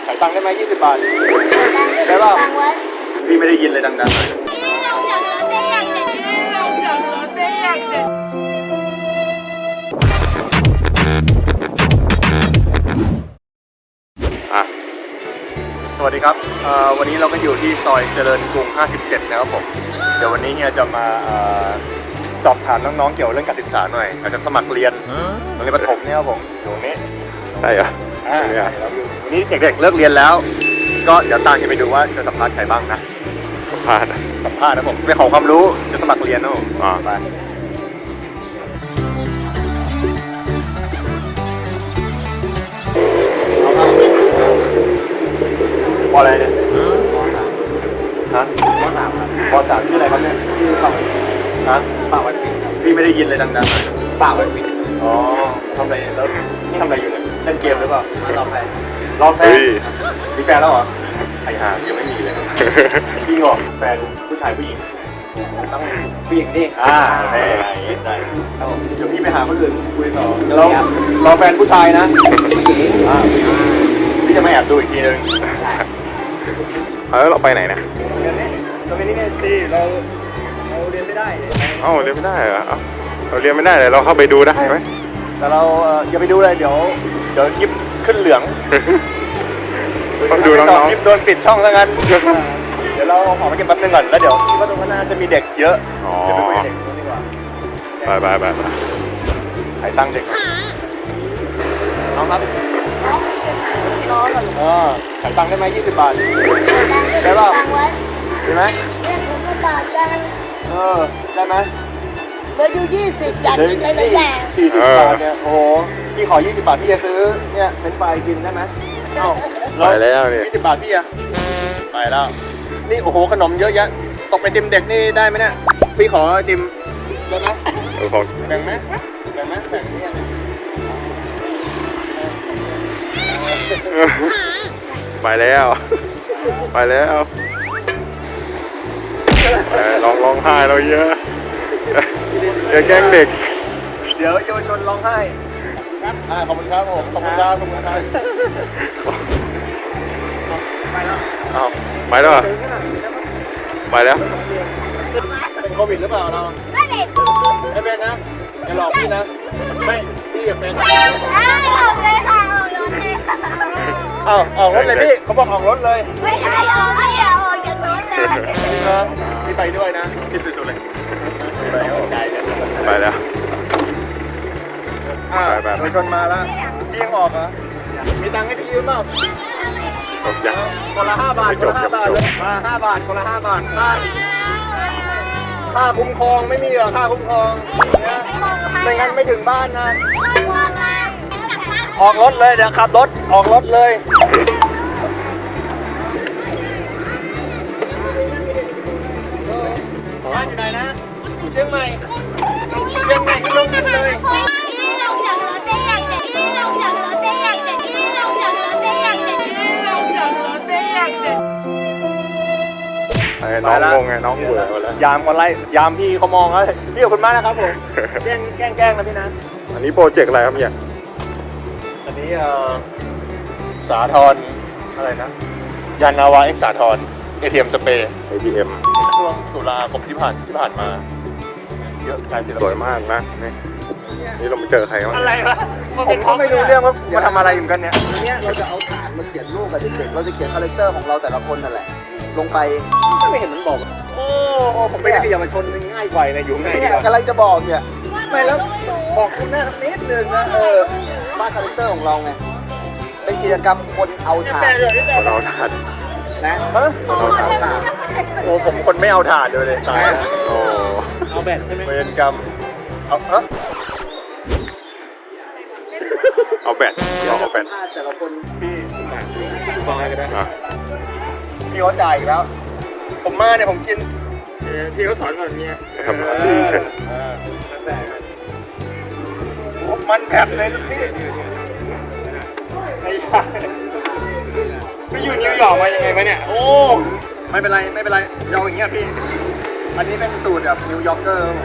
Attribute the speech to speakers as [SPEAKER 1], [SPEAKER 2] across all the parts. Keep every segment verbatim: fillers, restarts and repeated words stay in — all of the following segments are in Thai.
[SPEAKER 1] ขายตังค์ได้ไหมยี่สิบบาทได้ป่ะพี่ไม่ได้ยินเลยดังๆหน่อยอ่ะสวัสดีครับวันนี้เราก็อยู่ที่ซอยเจริญกรุงห้าสิบเจ็ดนะครับผมเดี๋ยววันนี้เฮียจะมาสอบถามน้องๆเกี่ยวเรื่องการศึกษาหน่อยอาจจะสมัครเรียนโรงเรียนประถมเนี่ยครับผมอยู่ตรงนี้ใช่เหรออ่าวันนี้เด็กๆเลิกเรียนแล้วก็เดี๋ยวตามกันไปดูว่าจะสัมภาษณ์ใครบ้างนะสัมภาษณ์สัมภาษณ์นะผมไปขอความรู้จะสมัครเรียนนะผมอ๋อไปปออะไรเนี่ยฮะปอสามครับปอสามชื่ออะไรครับเนี่ยชื่อเป่าฮะเป่าวันปิดพี่ไม่ได้ยินเลยดังๆหน่อยเป่าวันปิดอ๋อทำอะไรแล้วนี่ทำอะไรอยู่เนี่ยเล่นเกมหรือเปล่ารอแฟนรอแฟนมีแฟนแล้วเหรอไอ้ห่ายังไม่มีเลยพี่เหรอแฟนผู้ชายผู้หญิงต้องผู้หญิงดิอ่าได้ได้เดี๋ยวพี่ไปหาคนอื่นคุยต่อแล้วรอแฟนผู้ชายนะผู้หญิงอ่าพี่จะมาแอบดูอีกทีนึง
[SPEAKER 2] แล้วเราไปไหนนะ
[SPEAKER 1] เรียนนี่เราเรียนนี่ไงสิเราเราเรียนไม่ได้
[SPEAKER 2] เอ้าเรียนไม่ได้เหรอเราเรียนไม่ได้เลยเราเข้าไปดูได้ไหม
[SPEAKER 1] แต่เราอย่าไปดูเลยเดี๋ยวเดี๋ยวคลิปขึ้นเหลือง
[SPEAKER 2] ต้องดูน้องๆ
[SPEAKER 1] คลิปโดนปิดช่องซะงั้นเดี๋ยวเราขอไปเก็บแป๊บนึงก่อนแล้วเดี๋ยวคิดว่าตรงนั้นจะมีเด็กเยอะจะไปคุยเด็กดีกว่า
[SPEAKER 2] ไปไปไปไป
[SPEAKER 1] ขายตังค์เด็กน้องครับน้องเหรอขายตังค์ได้ไหมยี่สิบบาทได้ป่ะได้ไหมเออได้ไหม
[SPEAKER 3] เหลืออยู่ยี่สิบอยากกินอะไรแหละ
[SPEAKER 1] สี่สิบบาทเนี่ยโอ้โหพี่ขอยี่สิบบาทพี่จะซื้อเนี่ยเป็นไฟกินได้ไหมเอ้า
[SPEAKER 2] ไปแล้วเนี่ย
[SPEAKER 1] ยี่สิบบาทพี่อะไปแล้วนี่โอ้โหขนมเยอะแยะตกไปติมเด็กนี่ได้ไหมเนี่ยพี่ขอติมได้ไหมแบ่งไหมแบ่งไหมแบ่งเนี่ย
[SPEAKER 2] ไปแล้วไปแล้วร้องร้องไห้เราเยอะเดี๋ยวแกล้งเด็ก
[SPEAKER 1] เดี๋ยวเยาวชนร้องไห้อ่าขอบคุณครับผมขอบคุณครับขอบคุณครับไปแล้ว
[SPEAKER 2] อ้าวไปแล้วไปแล้ว
[SPEAKER 1] เป็นโควิดหรือเปล่าเราไม่เป็นไม่เป็นนะอย่าหลอกพี่นะไม่พี่อย่าเป็น
[SPEAKER 3] ออกเลยค่ะออกรถเลย
[SPEAKER 1] อ้าวออกรถเลยพี่เขาบอกออกรถเลย
[SPEAKER 3] ไม่ใช่ออกไม่ออกจากรถเลย
[SPEAKER 1] พี่ไปด้วยนะคิดดูเลยไปแล้วใจเลย
[SPEAKER 2] ไปแล้ว
[SPEAKER 1] อ่าไปชนมาแล้วพี่ยังออกเหรอมีตังค์ให้พี่ยืมเปล่าคนละห้าบาทคนละห้าบาทเลยมาห้าบาทคนละห้าบาทค่าค่าคุ้มครองไม่มีเหรอค่าคุ้มครองไม่งั้นไม่ถึงบ้านนะออกรถเลยเดี๋ยวขับรถออกรถเลยบ้านอยู่ไหนนะอยู่เชียงใหม่เชียงใหม่ที่ลงดินเลย
[SPEAKER 2] น้องงงไงน้องเบื่อแล้ว
[SPEAKER 1] ยามคนไล่ยามพี่เขามองแล้วพี่ขอบคุณมากนะครับผมแกล้งแกล้งแกล้งนะพี่นะ
[SPEAKER 2] อันนี้โปรเจกต์อะไรครับเนี่ย
[SPEAKER 1] อันนี้เอ่อสาทรอะไรนะยานนาวาเอ็กสาทร เอ ที เอ็ม สเปรย์
[SPEAKER 2] เอ ที เอ็ม
[SPEAKER 1] ช่วงตุลาคมที่ผ่านที่ผ่านมาเยอะใช่
[SPEAKER 2] สวยมากนะนี่นี่เราไปเจอใครบ้าง
[SPEAKER 1] อะไรวะผมก็ไม่รู้เรื่องว่ามาทำอะไรอยู่กันเนี่ย
[SPEAKER 4] อันนี้เราจะเอาฐานมาเขียนรูปกับเด็กๆเราจะเขียนคาแรคเตอร์ของเราแต่ละคนนั่นแหละลงไป
[SPEAKER 1] ไม่เห็นมันบอกโอ้โอ้ผมไม่ได้ขยับมาชนง่ายกว่าเลยอยู่ง่าย
[SPEAKER 4] เนี่ยกำลังจะบอกเนี่ย
[SPEAKER 1] ไม่แล้วบอกคุณหน้านิดนึงนะเออ
[SPEAKER 4] บ้านคาแรคเตอร์ของเราไงเป็นกิจกรรมคนเอาถ่าน
[SPEAKER 2] คนเอาถ่าน
[SPEAKER 4] นะ
[SPEAKER 1] ฮะ
[SPEAKER 4] คนเอาถ่าน
[SPEAKER 1] โอ้ผมคนไม่เอาถ่านเลยตาย
[SPEAKER 2] โอ้
[SPEAKER 1] เอาแบตใช่ไหมเวรกรรมเอาเออ
[SPEAKER 2] เอาแบตเอาแบต
[SPEAKER 4] แต่ละคน
[SPEAKER 1] พี่ฟังอะไรกันได้พี่เขาจ่ายอีกแล้วผมมาเนี่ยผมกินพี่เขาสอนแบบนี้
[SPEAKER 2] ทำอะไรเช่น
[SPEAKER 1] มันแบบเลยลูกพี่ไม่ใช่ไปอยู่นิวยอร์กมายังไงวะเนี่ยโอ้ไม่เป็นไรไม่เป็นไรยาวอย่างเงี้ยพี่อันนี้เป็นสูตรแบบนิวยอร์กเกอร์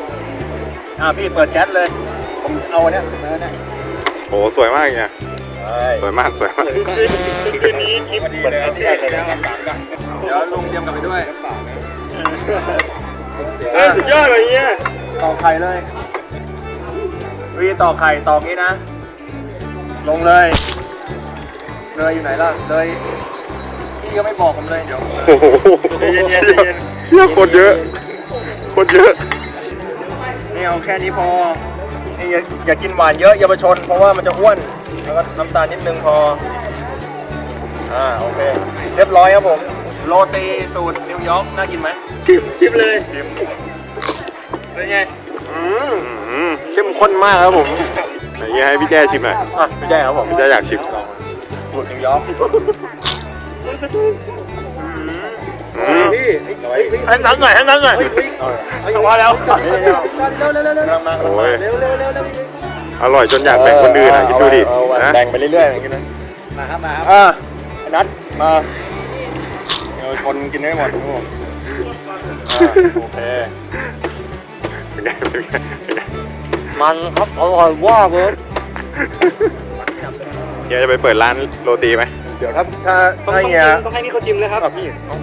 [SPEAKER 1] อ่าพี่เปิดแก๊สเลยผมเอาเนี่ยเนื้อเนี่ย
[SPEAKER 2] โอ้สวยมากเนี่ย
[SPEAKER 1] เอ
[SPEAKER 2] สวยมากสวยมาก
[SPEAKER 1] คืนนี้คลิปเหมือนที่ไอ้เลยนะเดี๋ยวลุงเตรียมกลับไปด้วยเฮ้ยสุดยอดเลยเนี่ยต่อไข่เลยวีต่อไข่ต่องี้นะลงเลยเลยอยู่ไหนล่ะเลยพี่ก็ไม่บอกผมเลยเดี๋ยว
[SPEAKER 2] โอ้โหเชี่ยเชี่ยคนเยอะคนเยอะ
[SPEAKER 1] นี่เอาแค่นี้พอนี่อย่าอย่ากินหวานเยอะเยาวชนเพราะว่ามันจะอ้วนแล้วก็น้ำตาลนิดนึงพออ่าโอเคเรียบร้อยครับผมโรตีสูตรนิวยอร์กน่ากินไหมชิมชิมเลยชิมเป็นไงอืม
[SPEAKER 2] อืม
[SPEAKER 1] เข้มข้นมากครับผม
[SPEAKER 2] ไหนให้พี่แจ้ชิมหน่อย
[SPEAKER 1] อ่ะไม่ใช่ครับผม
[SPEAKER 2] พี่แจ้อยากชิม
[SPEAKER 1] สูตรนิวยอร์ก
[SPEAKER 2] อืม
[SPEAKER 1] ให้น้ำหน่อยให้น้ำหน่อยพอแล้วมา
[SPEAKER 2] โอ้ยอร่อยจนอยากแบ่งคนอื่นอ่ะคิดดูดินะ
[SPEAKER 1] แบ่งไปเรื่อยๆอย่างนี้นะมาครับมาครับอ่านัดมาเดี๋ยวคนกินได้หมดทุกคนโอเค
[SPEAKER 2] เป็นไงเป็นไงเป็นไง
[SPEAKER 1] มันครับอร่อยว่าเบิร์ด
[SPEAKER 2] เฮียจะไปเปิดร้านโรตีไหม
[SPEAKER 1] เดี๋ยวถ้าถ้าถ้าเฮีย
[SPEAKER 5] ต้องให้นี่เขาชิมนะครับ
[SPEAKER 1] พี่ผม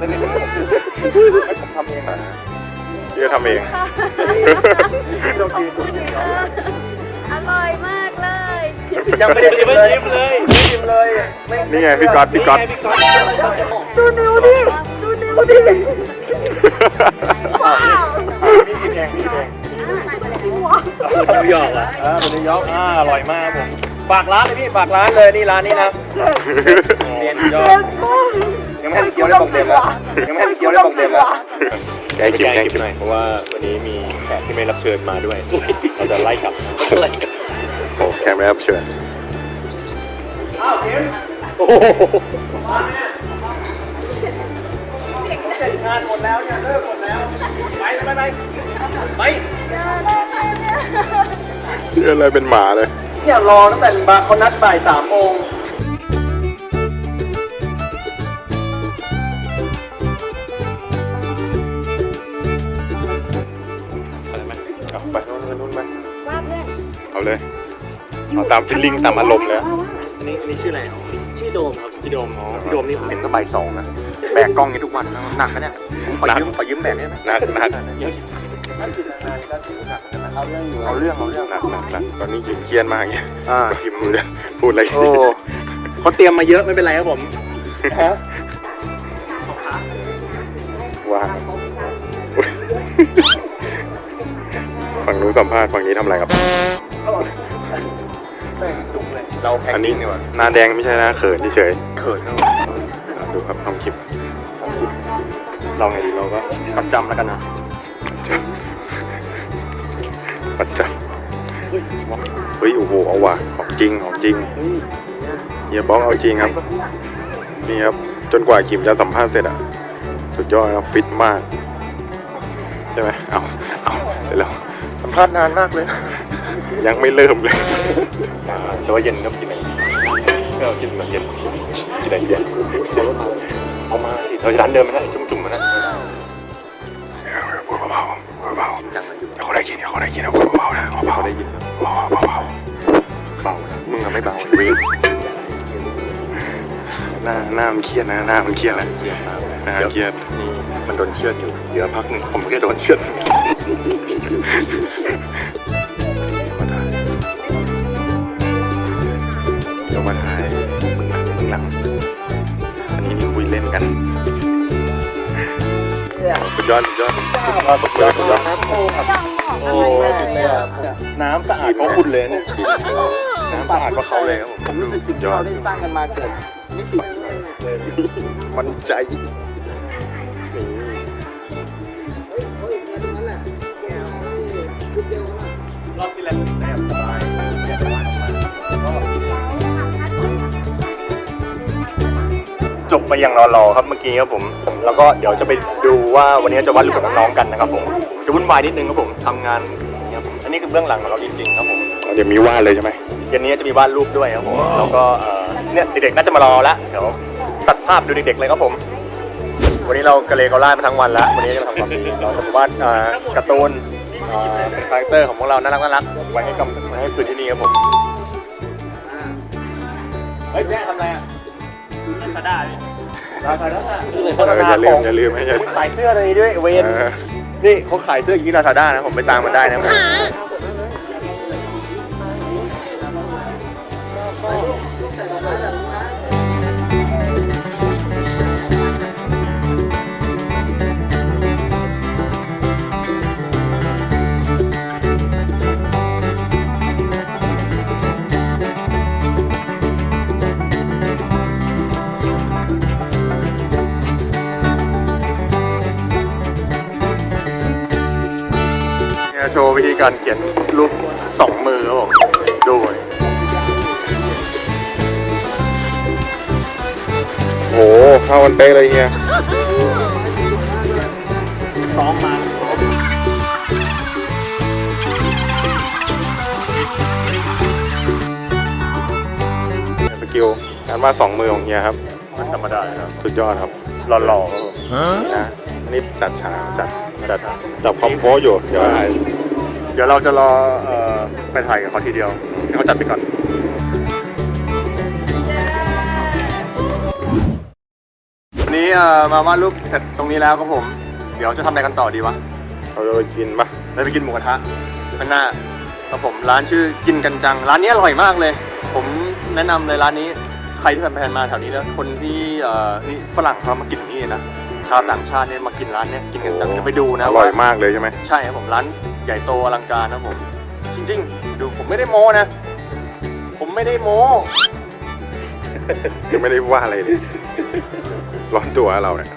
[SPEAKER 1] ทำเองนะ
[SPEAKER 2] เฮียทำเอง
[SPEAKER 1] โรตี
[SPEAKER 3] อร่อยมากเลย
[SPEAKER 1] ยังไม่ได้ชิมเลยชิมเลยชิมเลย
[SPEAKER 2] นี่ไงพี่ก๊อตพี่ก๊อต
[SPEAKER 3] ดูนิ้วดิดูนิ้วดิว้าว
[SPEAKER 1] พี่กินเองพี่กินเองนิวยอร์กอ่ะอ่าเป็นนิวยอร์กอ่าอร่อยมากครับผมฝากร้านเลยพี่ฝากร้านเลยนี่ร้านนี้นะเรียนยอ
[SPEAKER 3] เด็
[SPEAKER 1] ด
[SPEAKER 3] ดมาก
[SPEAKER 1] ยังไม่ให้พี่เกียวได้บอกเต็มแล้วยังไม่ให้พี่เกียวได้บอกเต็มแล้ว
[SPEAKER 2] แกกินแกกินหน่อย
[SPEAKER 1] เพราะว่าวันนี้มีแขกที่ไม่รับเชิญมาด้วยเราจะไล่กลับไล่กลับ
[SPEAKER 2] โอ้แกไม่รับเชิญ
[SPEAKER 1] โอ้โหเสร็จงานหมดแล้วเนี่ยเลิกหมดแล้วไปไปไปไป
[SPEAKER 2] เฮียอะไรเป็นหมาเลย
[SPEAKER 1] เนี่ยรอตั้งแต่บาร์เขานัดบ่ายสามโมง
[SPEAKER 2] อะไรไหมเอาไปนู่นไปนู่นไป
[SPEAKER 3] ว่าเพื่อน
[SPEAKER 2] เอาเลยเอาตามฟิลลิ่งตามอารมณ์เลย
[SPEAKER 1] อันนี้อันนี้ชื่ออะไรอ๋อชื่อโดมครับพี่โดมอ๋อพี่โดมนี่ผมเห็นก็บ่ายสองนะแบกกล้องนี้ทุกวันนะหนักนะเนี่ยผมขอยืมขอยืมแบกได้ไหม
[SPEAKER 2] หนักหนัก
[SPEAKER 1] เยอะถ้ากินนานๆก็ถือหนักนะเอาเรื่องอยู่เอาเรื่องเอาเรื่อง
[SPEAKER 2] หนักหนักหนักตอนนี้ยิ้มเครียดมากเงี้ย
[SPEAKER 1] อ่า
[SPEAKER 2] พิมพ์มือเลยพูดอะไร
[SPEAKER 1] โอ้เขาเตรียมมาเยอะไม่เป็นไรครับผมฮะ
[SPEAKER 2] ว่าอุ๊ยฝั่งนู้นสัมภาษณ์ฝั่งนี้ทำอะไรครับ
[SPEAKER 1] แม่งจุกเลยเราแพ็ค
[SPEAKER 2] อันนี้
[SPEAKER 1] กิ้งดีกว่า
[SPEAKER 2] หน้าแดงไม่ใช่นะเขินเฉย
[SPEAKER 1] เขินนะ
[SPEAKER 2] ๆดูครับน้องคิม
[SPEAKER 1] เราไงดีเราก็ประจำแล้วกันนะ
[SPEAKER 2] ประจำเฮ้ยโอ้โหเอาว่ะของจริงของจริงเฮียบอกเอาจริงครับ นี่ครับจนกว่าคิมจะสัมภาษณ์เสร็จอ่ะสุดยอดครับฟิตมากใช่ไหมเอาเอาเสร็จแล้ว
[SPEAKER 1] สัมภาษณ์นานมากเลย
[SPEAKER 2] ยังไม่เริ่มเลย
[SPEAKER 1] แต่ว่าเย็นก็กินอะไรก็กินแบบเย็นกินอะไรเย็นเอามาสิเราจะร้านเดิมไหมนะจุ่มๆมันนะ
[SPEAKER 2] พูดเบาๆเบาๆเดี๋ยวเขาได้ยินเดี๋ยวเขาได้ยินนะพูดเบาๆนะเบาๆได้ยินเบาๆเบา
[SPEAKER 1] เบามึงอะไม่เบา
[SPEAKER 2] ๆวิ่งหน้าหน้ามันเครียดนะหน้ามันเครียดแล้ว
[SPEAKER 1] เครียดมากเลย
[SPEAKER 2] หน้าเครียด
[SPEAKER 1] นี่มันโดนเชือดอยู่เดี๋ยวพักหนึ่งผมก็โดนเชือด
[SPEAKER 2] เดี๋ยวมาถ่ายมึงหลังมึงหลังอันนี้นี่คุยเล่นกันสุดยอดสุดยอดสุดยอดสุดยอดสุดยอด
[SPEAKER 1] โอ้น้ำสะอาดเพราะคุณเลยเนี่ยน้ำสะอาดเพราะเขาเลยครับผม
[SPEAKER 4] ผมรู้สึกสิ่งที่เราได้สร้างกันมาเกิดมิติ
[SPEAKER 2] มันใจ
[SPEAKER 1] รอบที่แล้วแอบสบายอยากจะวาดออกมาจบไปอย่างรอๆครับเมื่อกี้ครับผม แล้วก็เดี๋ยวจะไปดูว่าวันนี้จะวาดรูปกับน้องๆกันนะครับผมจะวุ่นวายนิดนึงครับผมทำงานอย่างเงี้ยครับอันนี้คือเบื้องหลังของเราจริงๆครับผม
[SPEAKER 2] เดี๋ยวมีวาดเลยใช่ไหม
[SPEAKER 1] เย็นนี้จะมีวาดรูปด้วยครับผมแล้วก็เอ่อเนี่ยเด็กๆน่าจะมารอแล้วเดี๋ยวตัดภาพดูเด็กๆเลยครับผม วันนี้เรากระเลกระล่ามาทั้งวันแล้ววันนี้จะมาทำความดีเราจะมาวาดเอ่อการ์ตูนเอ่อเป็นคาแรคเตอร์ของพวกเราน่ารักน่ารักไว้ให้กำไว้ให้คืนที่นี่ครับผมเฮ้ยแม่ทำอะไรอ่ะลาซาด้าดิลาซาด้า
[SPEAKER 2] เอออย่าลืมอย่าลืมไม่ใช่
[SPEAKER 1] ขายเสื้ออะไรด้วยเวน
[SPEAKER 2] เออ
[SPEAKER 1] นี่เขาขายเสื้ออย่างนี้ลาซาด้านะผมไปตามมันได้นะ เนี่ยโชว์วิธีการเขียนรูปสองมือครับผมดูหน่อย
[SPEAKER 2] โอ้โหเข้ากันเป๊ะเลยเฮีย
[SPEAKER 1] ซ้อมมา
[SPEAKER 2] สกิลการวาดสองมือของเฮียครับ
[SPEAKER 1] มันธรรมดาครับ
[SPEAKER 2] สุดยอดครับ
[SPEAKER 1] หล่อๆครับผม
[SPEAKER 2] นะอันนี้จัดฉากจัดจัดจับคอมโพสอยู่เดี๋ยวถ่าย
[SPEAKER 1] เดี๋ยวเราจะรอเอ่อไปถ่ายกับเขาทีเดียวให้เขาจัดไปก่อนวันนี้เอ่อมาวาดรูปเสร็จตรงนี้แล้วครับผม เดี๋ยวจะทำอะไรกันต่อดีวะ
[SPEAKER 2] เราจะไปกินปะ
[SPEAKER 1] เราไปกินหมูกระทะข้างหน้าครับผมร้านชื่อกินกันจังร้านนี้อร่อยมากเลย ผมแนะนำเลยร้านนี้ใครที่ผ่านๆมาแถวนี้แล้วคนที่เอ่อนี่ฝรั่งเขามากินนี่นะชาวต่างชาติเนี่ยมากินร้านเนี้ยกินกันจังจะไปดูนะ
[SPEAKER 2] อร่อยมากเลยใช่ไหม
[SPEAKER 1] ใช่ครับผมร้านใหญ่โตอลังการนะผมจริงๆดูผมไม่ได้โม้นะ ผมไม่ได้โม้
[SPEAKER 2] ยังไม่ได้ว่าอะไรเลยร้อนตัวเราเนี่ย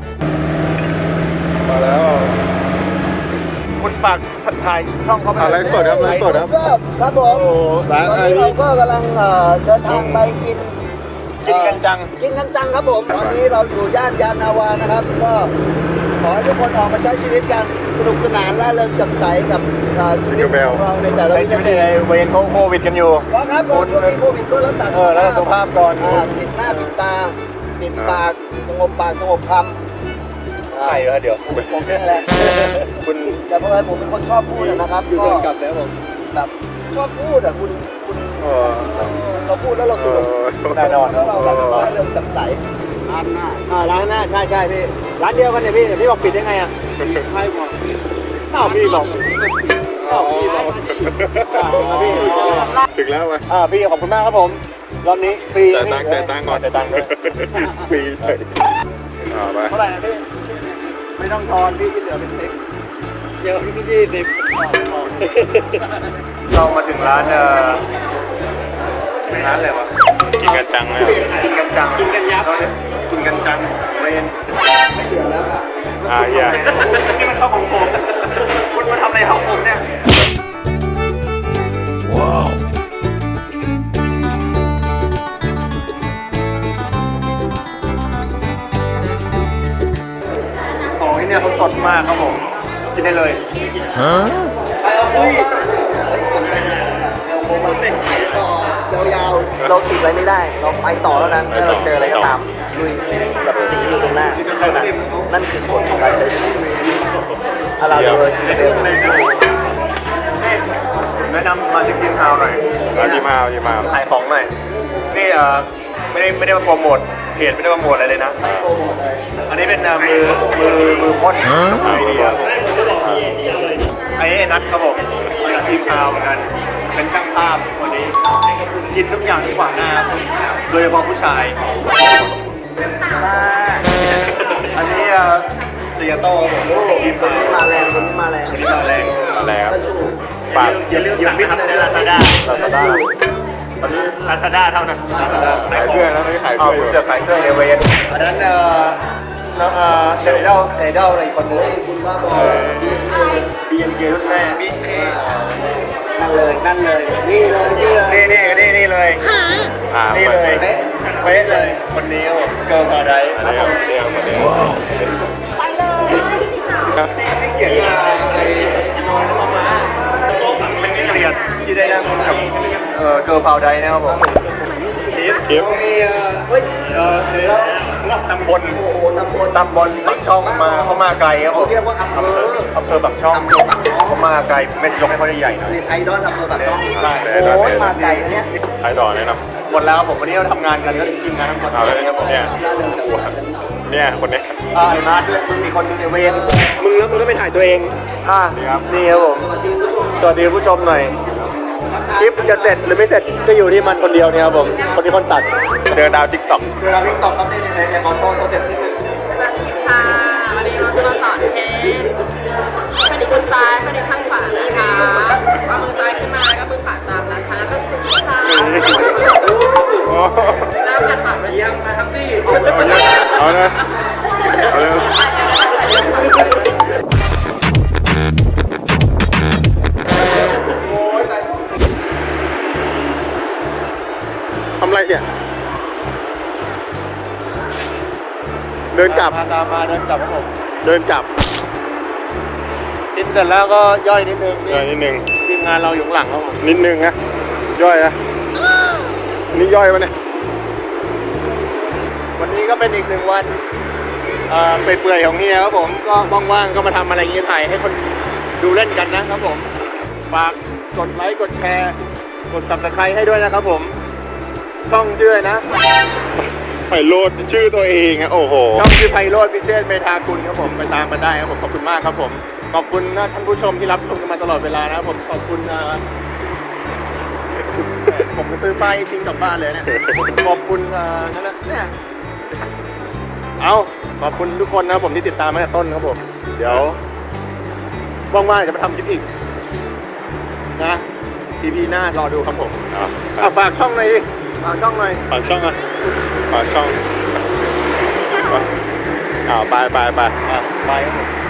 [SPEAKER 2] มาแล้ว
[SPEAKER 1] คุณฝากถ่ายช่องเขาไป
[SPEAKER 2] อะไรสดครับอะไรสดครับ
[SPEAKER 4] ครับผม
[SPEAKER 2] ร้าน
[SPEAKER 4] ตอน
[SPEAKER 2] อะไร
[SPEAKER 4] นี้เราก็กำลังเอ่อเดินทางไปกิน
[SPEAKER 1] กินกันจัง
[SPEAKER 4] กินกันจังครับผม ตอนนี้เราอยู่ย่านยานนาวานะครับ ก็ขอให้ทุกคนออกมาใช้ชีวิตกันสนุกสนานร่าเริงแจ่มใสกับเอ่อชีวิตของเราในแต่ละ
[SPEAKER 1] ใช้
[SPEAKER 4] วิ
[SPEAKER 1] ชีวิ
[SPEAKER 4] นา
[SPEAKER 1] ต
[SPEAKER 4] ที
[SPEAKER 1] ในเวรโควิดกันอยู่
[SPEAKER 4] ก็ครับผมช่วงนี้โควิดก็รักษา
[SPEAKER 1] เออแล้วสุขภาพก่อน
[SPEAKER 4] าปิดหน้าปิดตาปิดปากสงบปากสงบคำ
[SPEAKER 1] ใครวะเดี๋ยว
[SPEAKER 4] ผมนี่แหละ
[SPEAKER 1] คุณ
[SPEAKER 4] แต่เพราะว่าผมเป็นคนชอบพูดอะนะครับ
[SPEAKER 1] อยู่
[SPEAKER 4] ก็
[SPEAKER 1] เดินกลับแล้วผม
[SPEAKER 4] แบบชอบพูดอ่ะคุณคุณ
[SPEAKER 2] เออ
[SPEAKER 4] เราพูดแล้วเรา
[SPEAKER 2] เอ
[SPEAKER 4] สนุก
[SPEAKER 2] อ
[SPEAKER 1] แน่นอน
[SPEAKER 4] แล้วเราแบบร่าเริงแจ่มใส
[SPEAKER 1] อ่าร้านหน้าใช่ใช่พี่ร้านเดียวกันเนี่ยพี่แต่พี่บอกปิดได้ไงอ่ะ
[SPEAKER 4] ใช่หมด
[SPEAKER 1] อ้าวพี่บอกอ้าวพี่บอกอ้าวพี่
[SPEAKER 2] ถึงแล้ววะ
[SPEAKER 1] อ่าพี่ขอบคุณมากครับผมรอบนี้ฟรี
[SPEAKER 2] จ่ายตังค์จ่ายตังค์ก่อน
[SPEAKER 1] จ่ายตังค์ด้วย
[SPEAKER 2] ปีใส่อ่าไป
[SPEAKER 1] เท่าไหร่นะพี่ไม่ต้องทอนพี่ที่เหลือเป็นเซ็กเยอะพี่ยี่สิบเรามาถึงร้านเอ่อร้านอะไรวะ
[SPEAKER 2] กินกันจังเลย
[SPEAKER 1] กินกันจังกินกันยับกินกันจังเวน
[SPEAKER 4] ไม่เหลือแล้วอ่ะ
[SPEAKER 2] อ่าเฮีย
[SPEAKER 1] นี่มันช่องของผมคุณมาทำอะไรของผมเนี่ยของที่เนี่ยเขาสดมากครับผมกินได้เลย
[SPEAKER 4] ไปเอาโค้งมาเฮ้ยสนใจเอาโค้งมาต่อยาวๆเราติดอะไรไม่ได้ เราไปต่อแล้วนั้นถ้าเราเจออะไรก็ตามลุยกับสิ่งที่อยู่ตรงหน้าเท่านั้นนั่นคือกฎของการใช้ชีวิตอาราโดยทีเดียว
[SPEAKER 1] แนะนำมาชิคกินทาวหน่อย
[SPEAKER 2] เอาดีมาเอาดีมา
[SPEAKER 1] ขายของหน่อยนี่เอ่อไม่ได้ไม่ได้มาโปรโมทเพจไม่ได้มาโปรโมทอะไรเลยนะ อันนี้เป็นเอ่อมือมือมือพ่นไอเดียไอ้นัทครับผมทีมข่าวเหมือนกันเป็นช่างภาพวันนี้ กินทุกอย่างที่ขวางหน้าโดยเฉพาะผู้ชาย อันนี้เอ่อเซียโต้ครับผมทีม
[SPEAKER 4] คน
[SPEAKER 1] ข่าว
[SPEAKER 4] นี้มาแรงคนนี้มาแรง
[SPEAKER 1] วันนี้มาแรง
[SPEAKER 2] อะไรครับ
[SPEAKER 4] ก็ชู
[SPEAKER 2] ฝาก
[SPEAKER 1] อย่าลืมสั่งพิมพ์ในลาซาด้า
[SPEAKER 2] ลาซาด้า
[SPEAKER 1] ตอนนี้ลาซาด้าเท่านั้นลาซาด้า
[SPEAKER 2] ขายเสื้อนะไม่ขาย
[SPEAKER 1] เอา
[SPEAKER 2] เสื้ออยู่
[SPEAKER 1] เสื้อขายเสื้อเอเวนอันนั้นเอ่อแล้วเอ่อเดวิดเดลเดวิดเดลอะไรอีกคนนึง
[SPEAKER 4] คุณว่าบอล
[SPEAKER 1] บีเอ็นเรุ่นแม่บีเค
[SPEAKER 4] นั่นเลยนั่นเลยนี่เลยนี่เลย
[SPEAKER 1] นี่นี่นี่นี่เลย
[SPEAKER 2] อ่า
[SPEAKER 1] นี่เลย
[SPEAKER 4] เป๊ะ
[SPEAKER 1] เป๊ะเลยคนนี้ครับผมเกิร์ลพาราไดซ์
[SPEAKER 2] อันนี้ครับเนี่ยคนนี้
[SPEAKER 1] ที่เขียนมาไอ้น้อยน้ำมาเป็นเกลียดที่ได้นั่งกับเอ่อเกิร์ลพาราไดซ์นะครับผมคลิป
[SPEAKER 2] คลิป
[SPEAKER 1] มีเอ่อ
[SPEAKER 4] เฮ้ย
[SPEAKER 1] เอ่อเสือรับตำบล
[SPEAKER 4] โอ้โหตำบล
[SPEAKER 1] ตำบลปักช่องมาเขามาไกลครับผม
[SPEAKER 4] เขาเรียกว่าอำเภอ
[SPEAKER 1] อำเภอปักช่องเขามาไกลไม่ยกให้เขาได้ใหญ่หน่อย
[SPEAKER 4] นี่ไอดอลอำเภอปากช่อง
[SPEAKER 2] ใช่
[SPEAKER 4] โอ้ยมาไกลอันเนี้ย
[SPEAKER 2] ขายต่อแนะน
[SPEAKER 1] หมดแล้วครับผมวันนี้เราทำงานกันก็ทีมงานทั้งหมด
[SPEAKER 2] เอาเลย
[SPEAKER 1] ครับผม
[SPEAKER 2] เนี่ยเนี่ยคนเนี้ย
[SPEAKER 1] อ่าไอ้มาร์ทด้วยมึงมีคนหนึงไอ้เวน
[SPEAKER 4] มึงแล้วมึงก็ไปถ่ายตัวเอง
[SPEAKER 1] อ่า
[SPEAKER 2] นี่ครับ
[SPEAKER 1] นี่ครับผมสวัสดีผู้ชมหน่อยคลิปจะเสร็จหรือไม่เสร็จก็อยู่ที่มันคนเดียวเนี่ยครับผมคนที่คนตัด
[SPEAKER 2] เจอดาวทิกตอก
[SPEAKER 1] เวลาพิกตอกครับในในในเขาโชว์เขาเด็ดนิดนึง
[SPEAKER 3] สวัสดีค่ะ วันนี้เราจะมาสอนเทสข้อดีข้างซ้ายข้อดีข้างขวานะคะเอามือซ้ายขึ้นมาแล้วก็มือขวาตามนะคะแล้วก็ชุดค่ะแล้วกัดปากไปยังมาทั้งที่
[SPEAKER 2] เอาเลยเอาเลยทำไรเนี่ยเดินกลับ
[SPEAKER 1] มาตามมาเดินกลับครับผม
[SPEAKER 2] เดินกลับ
[SPEAKER 1] กินเสร็จแล้วก็ย่อยนิดนึง
[SPEAKER 2] เดินนิดนึง
[SPEAKER 1] ทีมงานเราอยู่ข้างหลังครับผม
[SPEAKER 2] นิดนึงนะย่อยนะนี่ย่อยวะเนี่ย
[SPEAKER 1] วันนี้ก็เป็นอีกหนึ่งวันเอ่อเปื่อยๆของเฮียครับผมก็ว่างๆก็มาทำอะไรอย่างนี้ถ่ายให้คนดูเล่นกันนะครับผมฝากกดไลค์กดแชร์กด ซับสไครบ์ ให้ด้วยนะครับผมช่องชื่อนะ
[SPEAKER 2] ไปโลดชื่อตัวเองอะโอ้โห
[SPEAKER 1] ช่องชื่อไพโรจน์พิเชษฐ์เมธากุลครับผมไปตามมาได้ครับผมขอบคุณมากครับผมขอบคุณนะท่านผู้ชมที่รับชมกันมาตลอดเวลานะครับผมขอบคุณนะผมจะซื้อป้ายทิ้งกลับบ้านเลยเนี่ยขอบคุณอ่านั่นแหละเนี่ยเอาขอบคุณทุกคนนะครับผมที่ติดตามมาตั้งแต่ต้นครับผมเดี๋ยวว่างๆจะมาทำคลิปอีกนะทีพีหน้ารอดูครับผม
[SPEAKER 2] อ่ะ
[SPEAKER 1] อ่ะฝากช่องหน่อยดิฝากช่องหน่อย
[SPEAKER 2] ฝากช่องอ่ะฝากช่องอ่าไปไปไป
[SPEAKER 1] อ่ะไปครับผม